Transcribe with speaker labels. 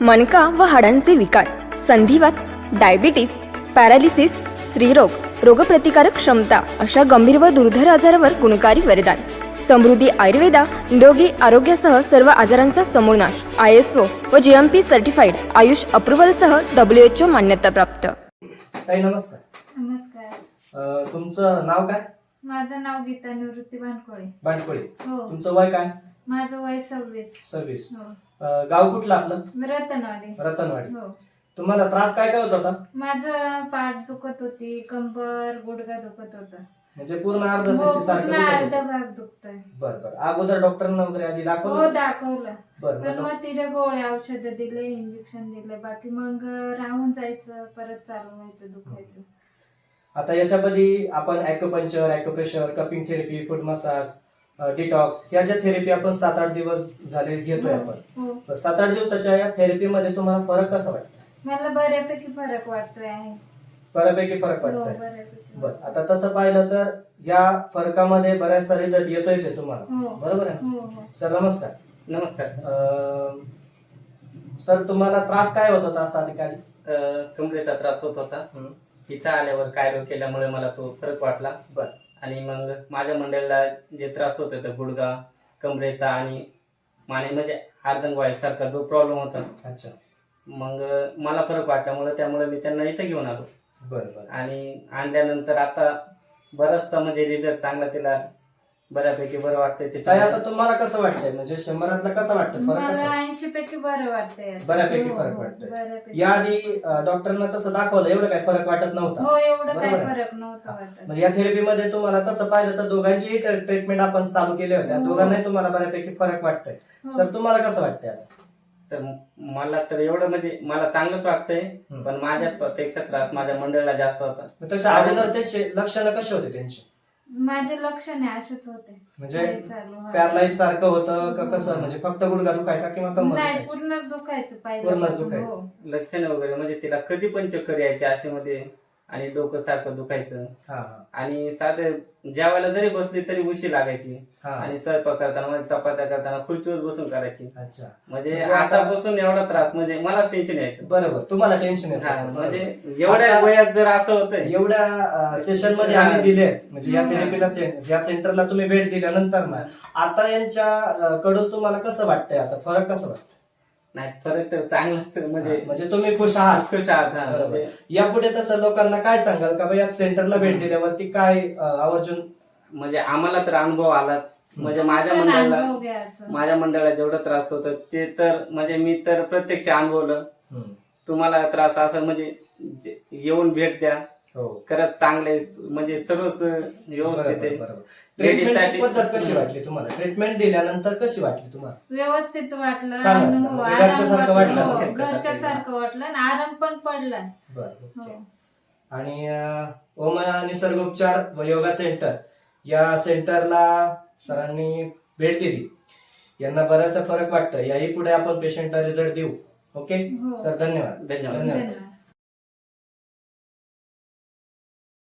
Speaker 1: मणका व हाडांचे विकार, संधिवात, diabetes, paralysis, स्त्रीरोग, रोगप्रतिकारक क्षमता अशा गंभीर व दुर्धर आजारावर गुणकारी वरदान. समृद्धी आयुर्वेदा निरोगी आरोग्यासह सर्व आजारांचा समूळ नाश. ISO व GMP सर्टिफाईड आयुष अप्रुव्हलसह WHO मान्यता प्राप्त.
Speaker 2: ताई नमस्कार.
Speaker 3: नमस्कार.
Speaker 2: तुमचं नाव काय?
Speaker 3: माझं नाव गीता निवृत्ती भानकोळे.
Speaker 2: बाणकोळे.
Speaker 3: हो.
Speaker 2: तुमचं वय काय?
Speaker 3: माझं वय 26.
Speaker 2: हो. गाव कुठलं आपलं?
Speaker 3: रतनवाडी.
Speaker 2: रतनवाडी.
Speaker 3: हो.
Speaker 2: तुम्हाला त्रास काय होत होता?
Speaker 3: माझं पाठ दुखत होती, कंबर, गुडघा दुखत होता.
Speaker 2: म्हणजे पूर्ण अर्ध
Speaker 3: हो,
Speaker 2: शिशी सारखं
Speaker 3: पूर्ण
Speaker 2: दुखत
Speaker 3: अर्धा
Speaker 2: होतं?
Speaker 3: भाग दुखतोय.
Speaker 2: बरं. अगोदर डॉक्टरांना वगैरे आधी
Speaker 3: हो,
Speaker 2: दाखवलं?
Speaker 3: दाखवलं. पण
Speaker 2: बरं.
Speaker 3: मग तिथे गोळ्या औषधं दिले, इंजेक्शन दिले, बाकी मग राहून जायचं, परत चालू व्हायचं, दुखायचं.
Speaker 2: आता याच्यामध्ये आपण acupuncture, acupressure, cupping therapy, food massage, detox या ज्या थेरपी आपण 7-8 दिवस झाले घेतोय आपण.
Speaker 3: हो.
Speaker 2: 7-8 दिवसाच्या या थेरपीमध्ये तुम्हाला फरक कसा वाटतो?
Speaker 3: मला बऱ्यापैकी फरक वाटतोय आहे.
Speaker 2: बऱ्यापैकी फरक
Speaker 3: हो,
Speaker 2: वाटतोय.
Speaker 3: बऱ्यापैकी.
Speaker 2: बरं. आता तसं पाहिलं तर या फरकामध्ये बऱ्याचसा रिझल्ट येतोयच आहे तुम्हाला,
Speaker 3: हो.
Speaker 2: बरोबर आहे ना?
Speaker 3: हो.
Speaker 2: सर नमस्कार.
Speaker 4: नमस्कार.
Speaker 2: सर तुम्हाला त्रास काय होत होता असा अधिकारी?
Speaker 4: कमरेचा त्रास होत होता. इथं आल्यावर कायरो केल्यामुळे मला तो फरक वाटला.
Speaker 2: बर.
Speaker 4: आणि मग माझ्या मंडळीला जे त्रास होत होता गुडघा, कमरेचा आणि माने म्हणजे अर्धंगवायूसारखा जो प्रॉब्लेम होता,
Speaker 2: अच्छा.
Speaker 4: मग मला फरक वाटल्यामुळे त्यामुळे मी त्यांना इथं घेऊन आलो.
Speaker 2: बर.
Speaker 4: आणि आणल्यानंतर आता बराचसा म्हणजे रिझल्ट चांगला तिला बऱ्यापैकी बरं वाटतंय
Speaker 2: ताई
Speaker 4: त्याच्यामुळे.
Speaker 2: आता तुम्हाला कसं वाटतंय, म्हणजे 100 कसं वाटतं, फरक
Speaker 3: मला
Speaker 2: कसा?
Speaker 3: 80 पैकी बरं वाटतंय.
Speaker 2: बऱ्यापैकी
Speaker 3: हो,
Speaker 2: फरक
Speaker 3: हो,
Speaker 2: वाटतोय.
Speaker 3: बऱ्यापैकी.
Speaker 2: याआधी डॉक्टरांना तसं दाखवलं, एवढं काही फरक वाटत नव्हता.
Speaker 3: हो, एवढं काही
Speaker 2: बरोबर आहे.
Speaker 3: फरक नव्हता वाटत.
Speaker 2: म्हणजे या थेरपीमध्ये तुम्हाला तसं पाहिलं तर दोघांचीही ट्रीटमेंट आपण चालू केल्या होत्या.
Speaker 3: हो.
Speaker 2: दोघांनाही तुम्हाला बऱ्यापैकी फरक वाटतोय.
Speaker 3: हो.
Speaker 2: सर तुम्हाला कसं वाटतंय आता?
Speaker 4: सर मला तर एवढं म्हणजे मला चांगलंच वाटतंय, पण माझ्यापेक्षा त्रास माझ्या मंडळीला जास्त होता.
Speaker 2: तशा अगोदर ते लक्षणं कसे होते त्यांचे?
Speaker 3: माझे लक्षणे असेच होते.
Speaker 2: म्हणजे
Speaker 3: काही चालू व्हायचं.
Speaker 2: पॅरालाइज सारखं होतं का कसं, म्हणजे फक्त गुडघा दुखायचा किंवा कमर
Speaker 3: नाही,
Speaker 2: दुखायची?
Speaker 3: पूर्णच दुखायचं पाहिजे.
Speaker 2: पूर्णच दुखायचं.
Speaker 3: हो.
Speaker 4: लक्षणे वगैरे म्हणजे तिला कधी पण चक्कर यायची अशामध्ये, आणि डोकं सारखं दुखायचं,
Speaker 2: हा.
Speaker 4: आणि साधं जेवायला जरी बसली तरी उशी लागायची,
Speaker 2: हा.
Speaker 4: आणि स्वयंपाक करताना म्हणजे चपात्या करताना खुर्चीवर बसून करायची.
Speaker 2: अच्छा.
Speaker 4: म्हणजे
Speaker 2: म्हणजे
Speaker 4: आता
Speaker 2: आता-
Speaker 4: बसून एवढा त्रास म्हणजे मलाच टेन्शन यायचं.
Speaker 2: बरोबर, तुम्हाला टेन्शन
Speaker 4: हा,
Speaker 2: येतं.
Speaker 4: म्हणजे
Speaker 2: बरोबर.
Speaker 4: एवढ्या
Speaker 2: आता-
Speaker 4: वयात जर असं होतंय.
Speaker 2: एवढ्या सेशन मध्ये आम्ही दिले, म्हणजे या
Speaker 3: हा.
Speaker 2: थेरपीला या सेंटरला तुम्ही भेट दिल्यानंतर ना आता यांच्या कडून तुम्हाला कसं वाटतंय, आता फरक कसं वाटतं?
Speaker 4: नाही, फरक तर चांगलाच म्हणजे
Speaker 2: म्हणजे तुम्ही खुश आहात?
Speaker 4: खुश आहात. हा,
Speaker 2: बरोबर.
Speaker 4: म्हणजे
Speaker 2: यापुढे तसं लोकांना काय सांगाल का या सेंटरला भेट दिल्यावरती काय आवर्जून?
Speaker 4: म्हणजे आम्हाला तर अनुभव आलाच. म्हणजे माझ्या
Speaker 3: पण
Speaker 4: मंडळाला
Speaker 3: अनुभव घ्या असं.
Speaker 4: माझ्या मंडळाला जेवढा त्रास होता ते तर म्हणजे मी तर प्रत्यक्ष अनुभवलं. तुम्हाला त्रास असं म्हणजे येऊन भेट द्या.
Speaker 2: हो.
Speaker 4: खरंच चांगले म्हणजे सर्वच व्यवस्थित आहे.
Speaker 2: बरोबर.
Speaker 4: Ladies
Speaker 2: ट्रीटमेंटची
Speaker 4: साठी-
Speaker 2: पद्धत कशी वाटली तुम्हाला? ट्रीटमेंट दिल्यानंतर कशी वाटली तुम्हाला?
Speaker 3: व्यवस्थित वाटलं.
Speaker 2: छान वाटलं.
Speaker 3: आणि हो,
Speaker 2: म्हणजे
Speaker 3: आराम
Speaker 2: घरच्यासारखं वाटलं ना?
Speaker 3: हो, घरच्यासारखं वाटलं आणि आराम पण पडला.
Speaker 2: बरं.
Speaker 3: हो.
Speaker 2: आणि ओम निसर्गोपचार व योगा सेंटर या सेंटरला सरांनी भेट दिली, यांना बराचसा फरक वाटतं. याही पुढे आपण पेशंटला रिझल्ट देऊ. ओके
Speaker 3: हो.
Speaker 2: सर, धन्यवाद.
Speaker 4: धन्यवाद.
Speaker 3: धन्यवाद.